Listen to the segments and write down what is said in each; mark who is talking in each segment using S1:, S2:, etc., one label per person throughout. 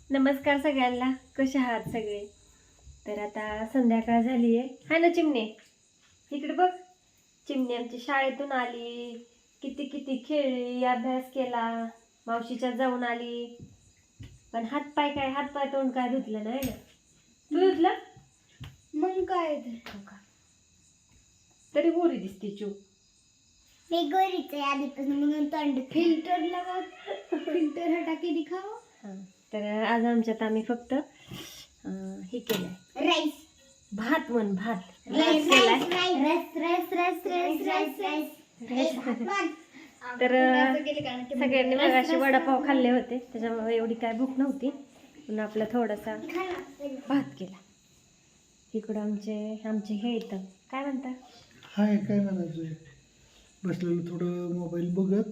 S1: नमस्कार सगळ्यांना, कसे आहात सगळे? तर आता संध्याकाळ झाली आहे. हाय ना चिमणे, इकडे बघ. चिमणे आमची शाळेतून आली, किती किती खेळली, अभ्यास केला, मावशीच्या जाऊन आली. पण हातपाय तोंड काय धुतलं नाही ना. तू धुतलं?
S2: मग काय
S1: हो का? तरी गोरी दिसते चू.
S2: मी गोरीच आहे आधीपासून, म्हणून तोंड फिल्टर लगा, फिल्टर हटा के दिखाओ.
S1: हां, तर आज आमच्यात आम्ही फक्त हे केलंय,
S2: राईस
S1: भात भात
S2: राईस
S1: केलाय.
S2: Rice rice rice rice rice rice
S1: तर सगळ्यांनी मगाशी वडापाव खाल्ले होते, त्याच्यामुळे एवढी काय भूक नव्हती. पण आपला थोडासा भात केला. इकडं आमचे हे येतं, काय म्हणता?
S3: हाय, काय म्हणायचं, बसलेलं थोडं मोबाईल बघत.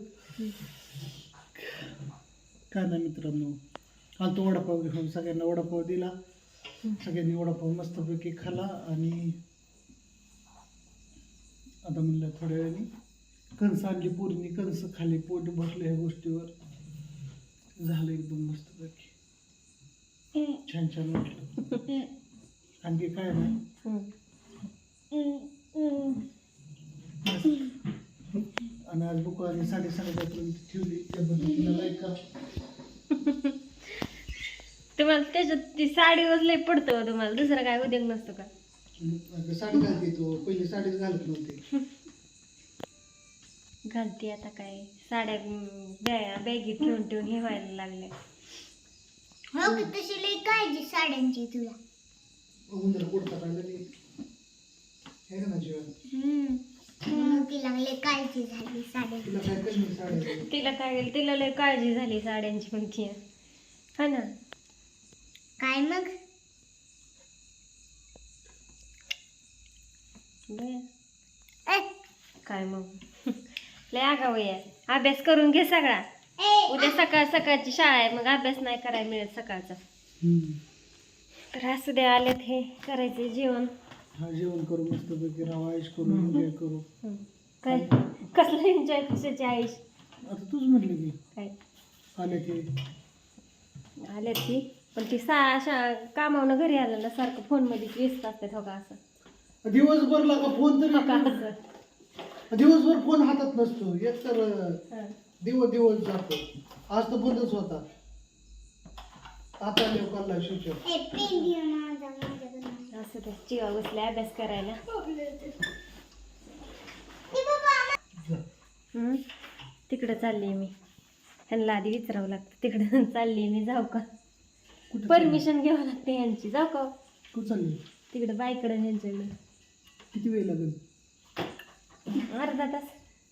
S3: काय ना मित्रांनो, आलतो वडापाव घेऊन, सगळ्यांना वडापाव दिला. सगळ्यांनी वडापाव मस्तपैकी खाला. आणि आता म्हणलं थोड्या वेळाने कणस आणली, पोरीने कणस खाली, पोट भरले ह्या गोष्टीवर. झालं एकदम मस्तपैकी, छान छान वाटलं. आणखी काय नाही. आणि आज बुकवानी 7:30 ठेवली, त्या पद्धतीला लाईक करा.
S1: तुम्हाला त्याच्यात ती साडीवर लय पडतं हो तुम्हाला, दुसरं काय उद्योग नसतो का?
S3: साडी घालते तो, पहिली साडीच घालत नव्हते.
S1: घालते आता काय साड्या बॅगीत ठेवून हे व्हायला लागले.
S2: हो की तशी लई काळजी साड्यांची तुला.
S3: उंदर कुडता काढलेली हे का ना जीवन.
S2: म्हणून तिला लई काळजी झाली साड्यांची.
S3: तुला काय कशी साडी
S1: तिला लय काळजी झाली साड्यांची म्हणती, हा ना.
S2: काय मग
S1: बरं.
S2: ए,
S1: काय मग लय आगाऊ आहे. अभ्यास करून घे सगळा.
S2: ए,
S1: उद्या सकाळची शाळा आहे, मग अभ्यास नाही करायला मिळत सकाळचा. तर असू द्या, आलेत हे करायचे जेवण.
S3: हा, जेवण करू मस्तपैकी, राहा, आयुष करू, एन्जॉय करू.
S1: काय कसलं एन्जॉय, कशाची आयुष?
S3: आता तूच म्हटली की
S1: काय
S3: आले ते
S1: आल्यात ती, पण ती कामावनं घरी आलं ना सारखं फोनमध्ये व्यस्त असतात. हो का असं
S3: दिवसभर लागा फोन
S1: हो का
S3: तरी,
S1: असं
S3: दिवसभर फोन हातात नसतो. एक तर
S1: हं.
S3: दिवस जातो. आज तर बंदच होता. आता लोकांना शिवच्या
S2: ए, पेन घे माझ्याकडून.
S1: असं ते चिवा बसले अभ्यास करायला.
S2: ए बाबा,
S1: तिकडं चालली मी. ह्यांना आधी विचारावं लागतं, तिकडं चालली मी, जाऊ का?
S3: कुठे
S1: परमिशन घ्यावं लागते ह्यांची, जाऊ का?
S3: तू चालली?
S1: तिकडं बाईकडं ह्यांच्याकडं
S3: किती वेळ लागेल?
S1: अर्धा तास.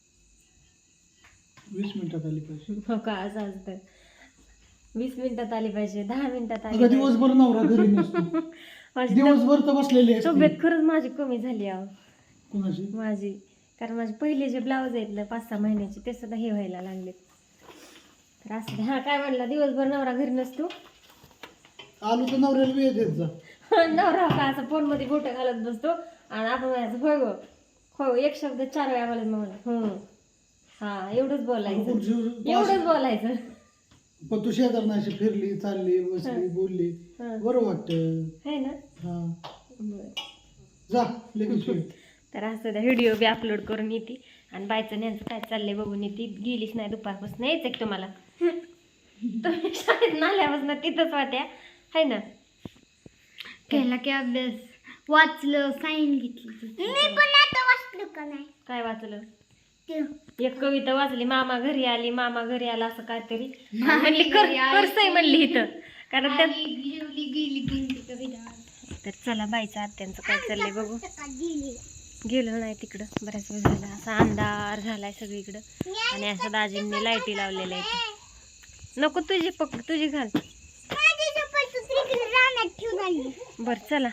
S3: 20 मिनिटात आली पाहिजे.
S1: हो का? असं असतं. 20 मिनिटात आली पाहिजे, 10 मिनिटात आली
S3: अगं
S1: पाहिजे.
S3: दिवसभर नवरा घरी नसतो.
S1: माझी
S3: दिवसभर तर बसलेली असते.
S1: तब्येत खरंच माझी कमी झाली आहे
S3: कुणाची?
S1: माझी. कारण माझे पहिले जे ब्लाऊज आहेत ना 5-6 महिन्याचे, ते सुद्धा हे व्हायला लागले. तर असं हा काय म्हणला, दिवसभर नवरा घरी नसतो.
S3: आलो तर नवऱ्याला वेळ देत जा.
S1: नवरा का असं फोनमध्ये बोटं घालत बसतो आणि आपण म्हणायचं होय गो, हो, एक शब्द 4 वेळा बोलत म्हणून हा, एवढंच बोलायचं.
S3: पण तू शेजारनाशी फिरली, चालली, बसली, बोलली, बरं वाटतं.
S1: है ना.
S3: हा,
S1: बरं.
S3: जा लगेच ये.
S1: तर असं त्या व्हिडिओ बी अपलोड करून येते आणि बायचं न्यांचं काय चाललंय बघून येते. गेलीच नाही दुपारपासून, यायचं की तुम्हाला. तुम्ही शाळेत नाल्यापासून तिथंच वाट्या, है ना.
S2: केला की अभ्यास, वाचलं, साईन घेतली. मी पण आता वाचलं का नाही?
S1: काय वाचलं?
S2: ते
S1: एक कविता वाचली, मामा घरी आला, असं काहीतरी म्हणली. करसय म्हणली इथं, कारण त्यात.
S2: गेली कविता.
S1: तर चला बाईचं आत्यांचं काय चाललंय बघू.
S2: गेली.
S1: गेलो नाही तिकडं, बऱ्याच वेळ झाला. असा अंधार झालाय सगळीकडं आणि असं दाजींनी लाईटी लावलेल्या आहेत. नको, तुझी घाल.
S2: माझी चप्पल दुसरीकडे रानात ठेवून आली.
S1: बरं चला.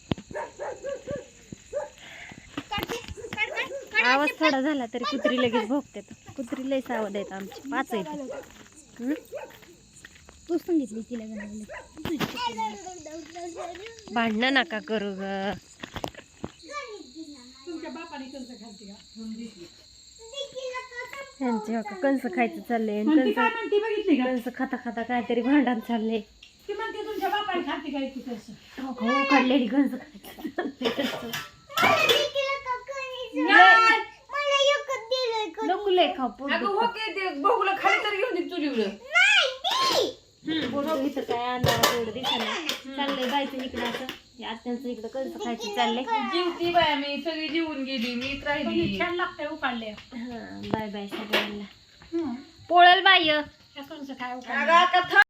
S1: आवाज थोडा झाला तरी कुत्री लगेच भोगतात. कुत्री लय सावध आहेत आमची, 5 आहेत.
S2: तू सांगितली तिला
S1: भांडणं नका करू ग. त्यांचे हो का कंस खायचं चाललंय, कंस खाता खाता काहीतरी भांडण चाललंय.
S4: खाते काय तू कसं
S1: काढलेली गंज नको लय खाऊ पोट
S4: अगं हो की ते बघूला खाली तर घेऊन दे चुलीवर
S1: पोट इथं काय अंधारात एवढं दिसना चाललंय बायचं इकडं असं आत्यांचं इकडं कसं खायचं चाललंय
S4: जीवती बाया मी सगळी जीवन गेली मीच राहिली
S2: छान लागतंय उकाळले
S1: हा बाय बाय सगळ्यांना पोळल बाय
S2: कसं काय
S4: अगं आता